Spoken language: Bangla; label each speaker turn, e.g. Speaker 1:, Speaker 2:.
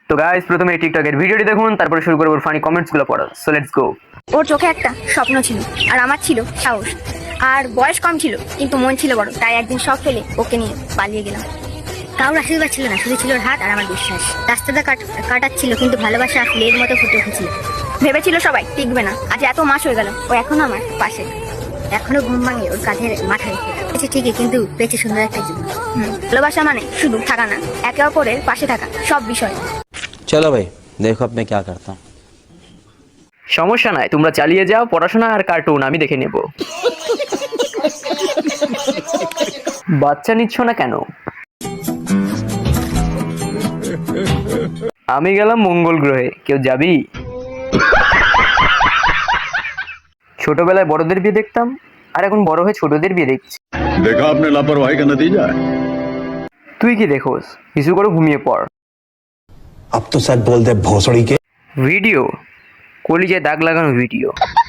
Speaker 1: তো গাইস প্রথমে এই টিকটকের ভিডিওটি দেখুন, তারপরে শুরু করব ফানি কমেন্টসগুলো পড়া। So let's go.
Speaker 2: ওর চোখে একটা স্বপ্ন ছিল, আর আমার ছিল সাহস। আর বয়স কম ছিল কিন্তু মন ছিল বড়, তাই একদিন সব ফেলে ওকে নিয়ে পালিয়ে গেলাম। কারোর আশীর্বাদ ছিল না, শুধু ছিল ওর হাত আর আমার বিশ্বাস। রাস্তাটা কাটাচ্ছিল কিন্তু ভালোবাসা ফুলের মতো ফুটে উঠেছিল। ভেবেছিল সবাই টিকবে না, আজ এত মাস হয়ে গেল ও এখনো আমার পাশে। এখনো ঘুম ভাঙে ওর কাঁধের মাথা রেখে। পেয়েছে ঠিকই, কিন্তু পেয়েছে সুন্দর একটা জীবন। ভালোবাসা মানে শুধু থাকা না, একে অপরের পাশে থাকা সব বিষয়।
Speaker 3: चलो भाई देखो अब मैं क्या करता हूँ।
Speaker 1: সমস্যা নাই, তোমরা চালিয়ে যাও, পড়াশোনা আর কার্টুন আমি দেখে নেব। বাচ্চা নিচ্ছ না কেন? আমি গেলাম মঙ্গল গ্রহে, কেউ যাবি? ছোটবেলায় বড়দের বিয়ে দেখতাম, আর এখন বড় হয়ে ছোটদের বিয়ে দেখছি।
Speaker 4: देखा आपने लापरवाही का नतीजा है।
Speaker 1: তুই কি দেখোস? কিছু করে ঘুমিয়ে পড়।
Speaker 5: अब तो सच बोल दे भोसड़ी के।
Speaker 1: ভিডিও কলিজায় দাগ লাগানো ভিডিও।